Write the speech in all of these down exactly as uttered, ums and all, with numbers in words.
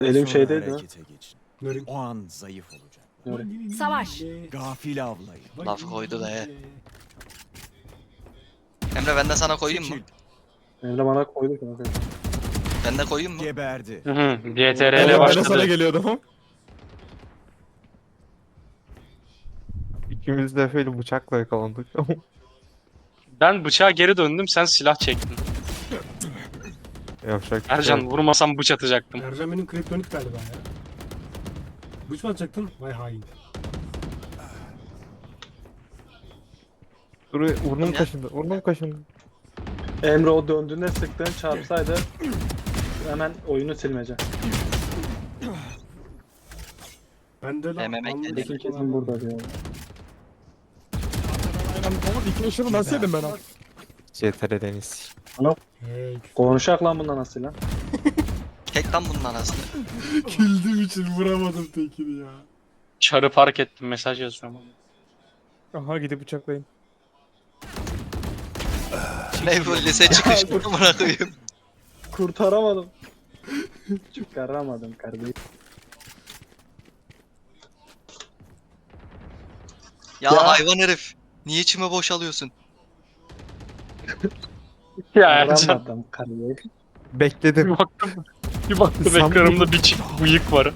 Elim Sonra şeydeydi ha. harekete geçin. Nörün. O an zayıf olacak. Nörün. Savaş. Gafil avlayın. Laf koydu da he. Emre ben de sana koyayım mı? Seçil. Emre bana koydu kanka. Ben de koyayım mı? Geberdi. Hı hı. C T R Evet, L ben de başladı. sana geliyordum. İkimiz de Efe'yle bıçakla yakalandık. Ben bıçağa geri döndüm, sen silah çektin. Yapacak bir şey Ercan yok. vurmasam bıç atacaktım. Ercan benim kriptonik galiba ya. Bıç mı atacaktın? Vay hain. Dur burnum Ya. kaşındı. Burnum kaşındı. Emre o döndüğünde sıktığın çarpsaydı hemen oyunu silmece. Ben de M M A anladım. Tekin kesin burada diyor. Aynen oğlum iki yaşını nasıl yedim ben abi? C T R Deniz. Hey. Konuşak lan bundan nasıl lan? Tek tam bunun anasını. Güldüğüm için vuramadım tekini ya. Çarı fark ettim, mesaj yazıyorum. Aha gidip bıçaklayın. Ne bu lise çıkış amına koyayım. Kurtaramadım. Çıkaramadım kardeşim. Ya, Ya. hayvan herif. Niye içime boşalıyorsun? Ya Ercan Kurtaramadım kardeşim. bir Bekledim. baktım, bir baktım Sen ekranımda bir çift bıyık var.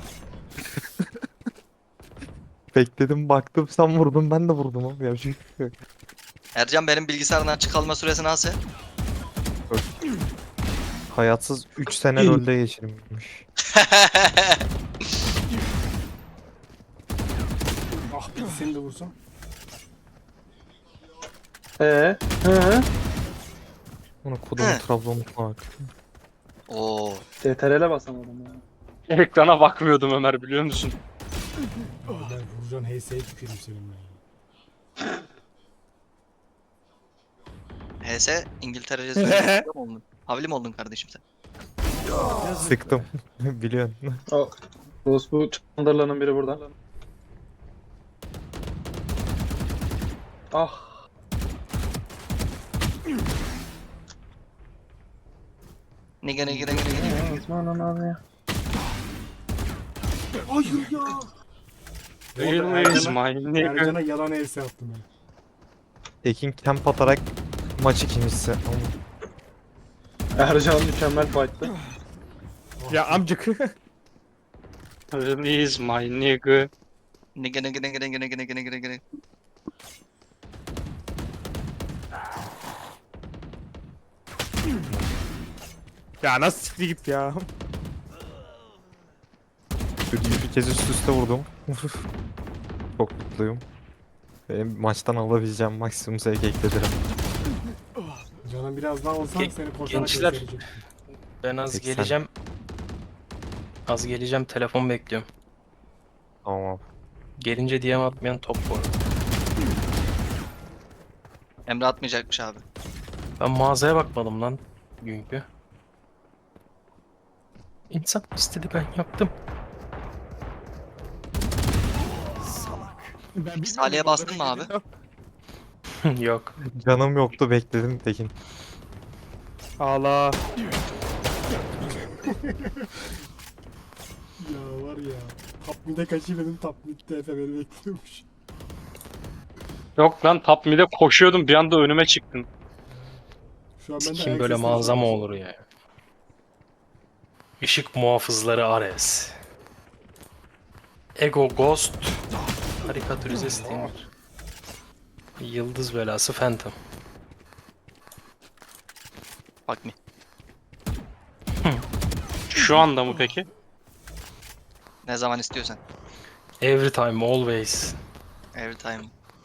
Bekledim baktım sen vurdun ben de vurdum abi. Yapacak bir şey yok. Ercan benim bilgisayardan çıkalma süresi nasıl? Hayatsız üç sene LoL'de geçirmiş. Ah bir seni de vursam. Ee? Hı? Onu kodumu He. Trabzon'una bak. Oo. C T R L'e basamadım ya. Ekrana bakmıyordum Ömer, biliyor musun? Ben vuracağın H S'ye tükürüm senin ben. H S İngiltere Cezayir mi oldun? Havli mi oldun kardeşim sen? Sıktım. Biliyorsun. O Rus bu Çandırlı'nın biri burada. Ah. Nige nige nige nige. Osman abi ya. Hayır ya. Real is my nigga. Ercan'a yalan H S attım ben. Tekin camp atarak maç ikincisi. Ercan mükemmel fight'tı. Ya amcık. Real is my nigga. Nige nige nige nige nige nige nige nige. Ya nasıl sikti git ya. Bir kez üst üste vurdum. Çok mutluyum. Benim maçtan alabileceğim maksimum zevk ekledim. Canım biraz daha olsan Ge- seni koşarak gençler. gösterecek. Ben az seksen. geleceğim. Az geleceğim, telefon bekliyorum. Tamam abi. Gelince D M atmayan top bu arada. Emre atmayacakmış abi. Ben mağazaya bakmadım lan günkü. İnsan istedi, ben yaptım. Salih'e bastın mı abi? Yok. Canım yoktu bekledim Tekin. Ağla. Ya var ya. Top mid'e kaçayım dedim, top mid'de Efe beni bekliyormuş. Yok lan, top mid'e koşuyordum, bir anda önüme çıktın. Şu an ben de Kim ayak böyle sesleri mağaza mı duyuyorum. olur ya? Işık muhafızları Ares. Ego Ghost. Karikatürize Steamer. Yıldız belası Phantom. Bak mı? Şu anda mı peki? Ne zaman istiyorsan. Every time, always. Every time.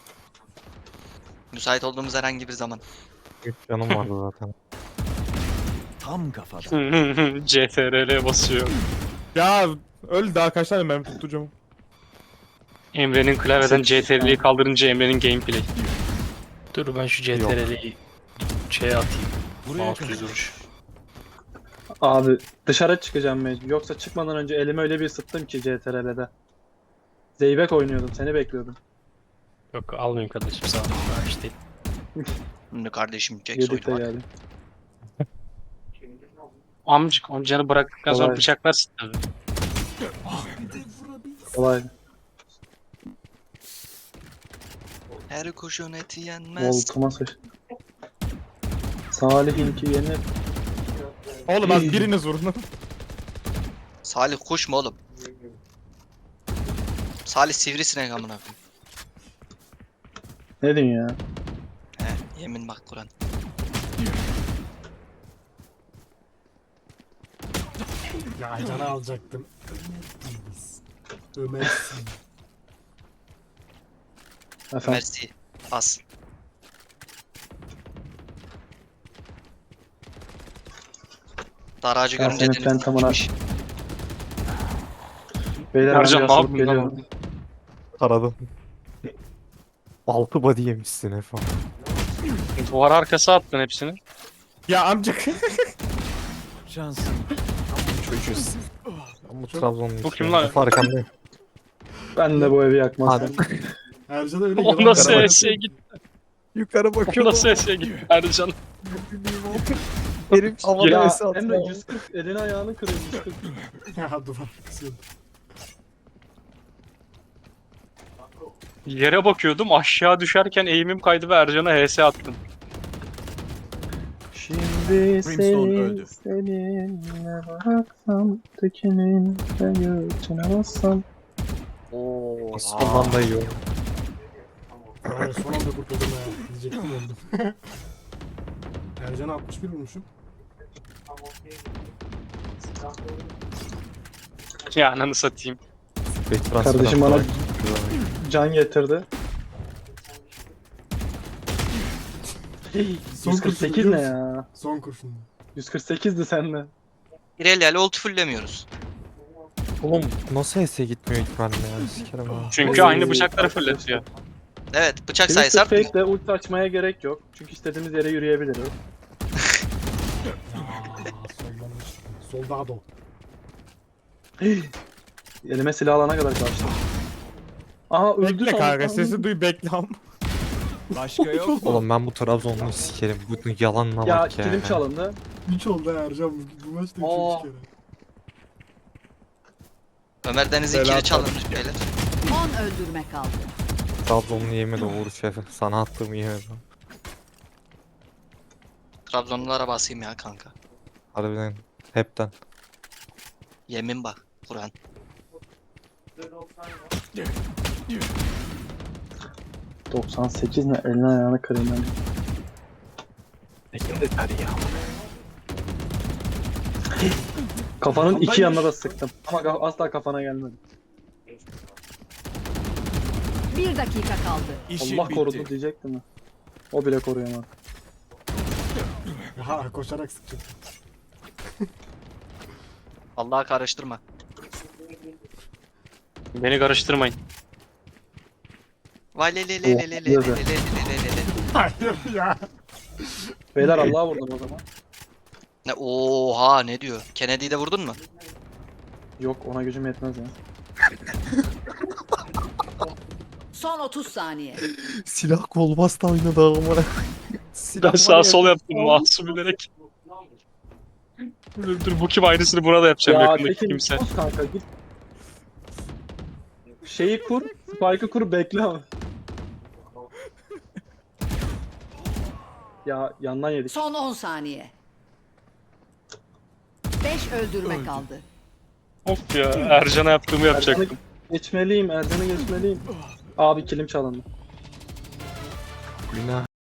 Müsait olduğumuz herhangi bir zaman. üç canım vardı zaten. Tam kafadan. C T R L basıyor. Ya öl daha kaç tane mermi tutacağım. Emre'nin klavyeden C T R L'yi kaldırınca Emre'nin gameplay. Dur ben şu C T R L'yi şeye atayım. Buraya Mouse kadar. düz vuruş. Abi dışarı çıkacağım mecbur. Yoksa çıkmadan önce elimi öyle bir ısıttım ki C T R L'de. Zeybek oynuyordum, seni bekliyordum. Yok almayayım kardeşim, sağ ol. Ha, işte. Şimdi kardeşim Jack Yedik de soydu bak. geldim. Amcık amcanı bıraktıktan sonra Kolay. bıçaklarsın tabii. Kolay. Her kuşun eti yenmez. Volkuma sıç. Salih'inki yenir. Oğlum az biriniz vurun. Salih kuş mu oğlum? Salih sivrisinek amına koyayım. Ne diyorsun ya? He, yemin bak Kur'an. Ya Aycan'ı alacaktım. Ömersin. Efendim. Mersi. As. Daracı Ben görünce senin dedim. pentamına- "Gitmiş." Beyler ben Ercan bir ne asılıp yaptın lan? geliyorum. Taradım. Altı body yemişsin Efe. Duvar arkası attın hepsini. Ya amcık. Şansın. Çocuğuz. Ben bu Trabzonlu. Bu kim lan? Efe arkandayım. Ben de bu evi yakmazdım. Hadi. Ercan'a öyle O yalan nasıl yalan- S'ye gitti? Yukarı O bakıyorum. nasıl S'ye gitti Ercan? Herif havada Ya S Emre atıyor. yüz kırk elini ayağını kırıyor yüz kırk. Ya duvar kısıyordu. Yere bakıyordum aşağı düşerken eğimim kaydı ve Ercan'a H S attım. Şimdi Brimstone seni öldü. seninle bıraksam tekinin de göğsüne bassam. Oo. Sondan da yiyor. Vay, son anda kurtuldum ya. Diyecektim öldüm. Ercan'a altmış bir vurmuşum. Ya ananı satayım. Kardeşim bana can getirdi. Son yüz kırk sekiz kurşun ne biliyor ya? Son kurşun. yüz kırk sekizdi sende. İrelia'yla ulti fulllemiyoruz. Oğlum nasıl S'ye gitmiyor ilk benimle ya? Sikerim ha. Çünkü Oy. aynı bıçakları fırlatıyor. Evet bıçak Twisted sayısı artmıyor. Fake'le ulti açmaya gerek yok. Çünkü istediğimiz yere yürüyebiliriz. Ya soldan Soldado. Elime silah alana kadar kaçtım. Aha öldü Bekle sandım. kanka sesi duy bekle am. Başka yok mu? Oğlum ben bu Trabzonlu'yu sikerim. Bu yalanına Ya bak ya. kilim çalındı. üç oldu ha Ercan bu, bu maçta Aa. üçüncü kere. Ömer Deniz'in Belat kili çalınmış beyler. on öldürme kaldı. Trabzonlu yemedi o vuruş Efe. Sana attığımı yemedi. Trabzonlulara basayım ya kanka. Harbiden. Hepten. Yemin bak Kur'an. doksan sekiz ne elini ayağını kırayım ben. Kafanın iki yanına da sıktım. Ama ka- asla kafana gelmedi. Bir dakika kaldı. İşin Allah bitti. korudu diyecektim mi? O bile koruyamadı. Ha koşarak sıkacak. Allah'a karıştırma. Beni karıştırmayın. Vay le le le le le le le le le le le le. Hayır ya. Beyler Allah'a vurdum o zaman. Ne oha ne diyor? Kennedy'yi de vurdun mu? Yok ona gücüm yetmez ya. Son otuz saniye. Silah kol bastı oynadı amına. Silah Ben sağ sol yaptım masum bilerek. Dur, dur bu kim aynısını burada yapacağım Ya yakındaki Tekin kimse. sus kanka git. Şeyi kur, spike'ı kur bekle ama. Ya yandan yedik. Son on saniye. beş öldürme kaldı. Of ya Ercan'a yaptığımı yapacaktım. Ercan'ı geçmeliyim, Ercan'ı geçmeliyim. Abi kilim çalındı. Günah.